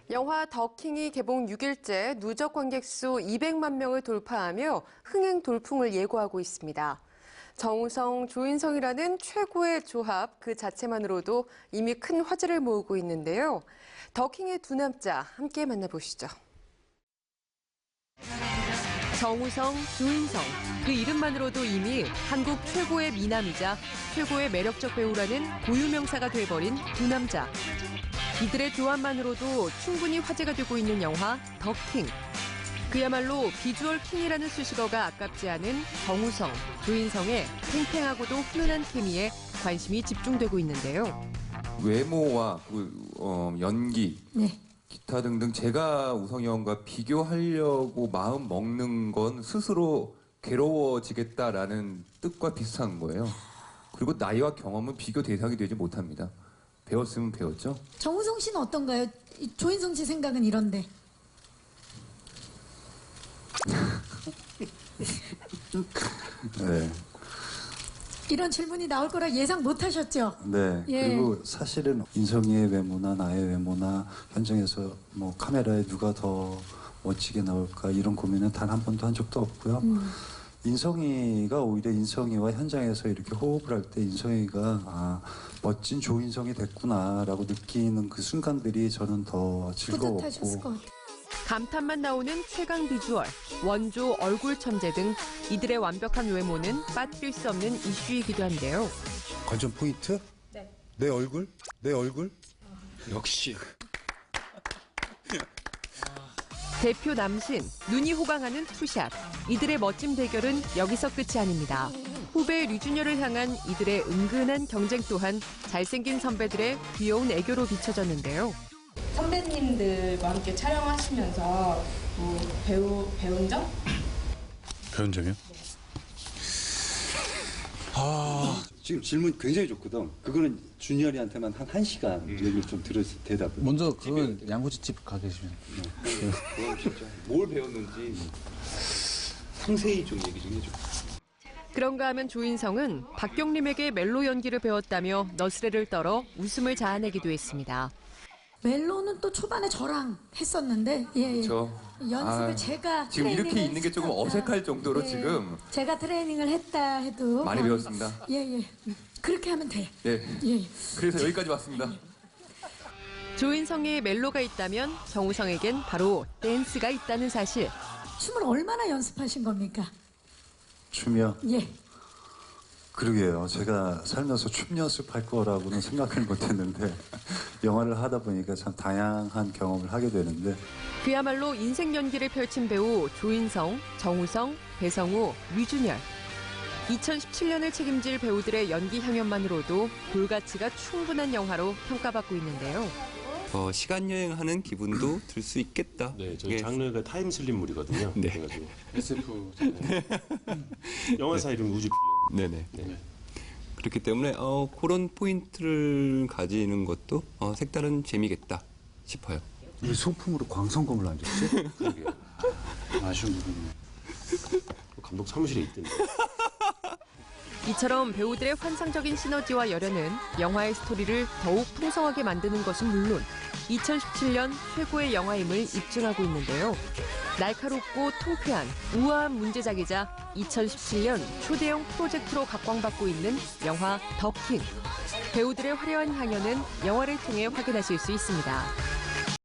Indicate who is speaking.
Speaker 1: 영화 더킹이 개봉 6일째 누적 관객 수 200만 명을 돌파하며 흥행 돌풍을 예고하고 있습니다. 정우성, 조인성이라는 최고의 조합 그 자체만으로도 이미 큰 화제를 모으고 있는데요. 더킹의 두 남자 함께 만나보시죠. 정우성, 조인성, 그 이름만으로도 이미 한국 최고의 미남이자 최고의 매력적 배우라는 고유명사가 돼버린 두 남자. 이들의 조합만으로도 충분히 화제가 되고 있는 영화 더킹. 그야말로 비주얼 킹이라는 수식어가 아깝지 않은 정우성, 조인성의 팽팽하고도 훈훈한 케미에 관심이 집중되고 있는데요.
Speaker 2: 외모와 연기,
Speaker 3: 네.
Speaker 2: 기타 등등 제가 우성이 형과 비교하려고 마음 먹는 건 스스로 괴로워지겠다라는 뜻과 비슷한 거예요. 그리고 나이와 경험은 비교 대상이 되지 못합니다. 배웠으면 배웠죠.
Speaker 3: 정우성 씨는 어떤가요? 조인성 씨 생각은 이런데.
Speaker 4: 네.
Speaker 3: 이런 질문이 나올 거라 예상 못 하셨죠?
Speaker 4: 네.
Speaker 3: 예.
Speaker 4: 그리고 사실은 인성이의 외모나 나의 외모나 현장에서 뭐 카메라에 누가 더 멋지게 나올까 이런 고민은 단 한 번도 한 적도 없고요. 인성이가 오히려 인성이와 현장에서 이렇게 호흡을 할 때 인성이가 멋진 조인성이 됐구나라고 느끼는 그 순간들이 저는 더 즐거웠고
Speaker 3: 뿌듯하셨을 것 같아요.
Speaker 1: 감탄만 나오는 최강 비주얼, 원조 얼굴 천재 등 이들의 완벽한 외모는 빠뜨릴 수 없는 이슈이기도 한데요.
Speaker 5: 관전 포인트?
Speaker 3: 네.
Speaker 5: 내 얼굴? 내 얼굴? 역시.
Speaker 1: 대표 남신, 눈이 호강하는 투샷. 이들의 멋진 대결은 여기서 끝이 아닙니다. 후배 류준열을 향한 이들의 은근한 경쟁 또한 잘생긴 선배들의 귀여운 애교로 비춰졌는데요.
Speaker 6: 선배님들과 함께 촬영하시면서 배운 점?
Speaker 5: 배운 점이요?
Speaker 7: 지금 질문 굉장히 좋거든. 그거는 준열이한테만 한 1시간 얘기를 좀 들었을 대답을.
Speaker 8: 먼저 그건 양꼬치집 가 계시면.
Speaker 2: 그건 진짜 뭘 배웠는지 상세히 좀 얘기 좀 해줘.
Speaker 1: 그런가 하면 조인성은 박경림에게 멜로 연기를 배웠다며 너스레를 떨어 웃음을 자아내기도 했습니다.
Speaker 3: 멜로는 또 초반에 저랑 했었는데 연습을 제가
Speaker 2: 지금 이렇게 있는 게 조금 어색할 정도로 지금
Speaker 3: 제가 트레이닝을 했다 해도
Speaker 2: 많이 배웠습니다.
Speaker 3: 그렇게 하면 돼.
Speaker 2: 그래서 여기까지 왔습니다.
Speaker 1: 조인성의 멜로가 있다면 정우성에겐 바로 댄스가 있다는 사실.
Speaker 3: 춤을 얼마나 연습하신 겁니까?
Speaker 4: 춤이요?
Speaker 3: 예.
Speaker 4: 그러게요. 제가 살면서 춤 연습할 거라고는 생각을 못했는데 영화를 하다 보니까 참 다양한 경험을 하게 되는데
Speaker 1: 그야말로 인생 연기를 펼친 배우 조인성, 정우성, 배성우, 류준열. 2017년을 책임질 배우들의 연기 향연만으로도 볼가치가 충분한 영화로 평가받고 있는데요.
Speaker 9: 시간 여행하는 기분도 들 수 있겠다.
Speaker 10: 네, 저희 장르가 타임슬립물이거든요.
Speaker 9: 네.
Speaker 10: 그래가지고 SF 영화사 이름 우주 필름.
Speaker 9: 네네.
Speaker 10: 네.
Speaker 9: 그렇기 때문에 그런 포인트를 가지는 것도 색다른 재미겠다 싶어요.
Speaker 4: 왜 소품으로 광선검을 안 줬지?
Speaker 10: 그러게요.
Speaker 4: 아쉬운 부분이네.
Speaker 10: 감독 사무실에 있던데.
Speaker 1: 이처럼 배우들의 환상적인 시너지와 열연은 영화의 스토리를 더욱 풍성하게 만드는 것은 물론 2017년 최고의 영화임을 입증하고 있는데요. 날카롭고 통쾌한 우아한 문제작이자 2017년 초대형 프로젝트로 각광받고 있는 영화 더킹. 배우들의 화려한 향연은 영화를 통해 확인하실 수 있습니다.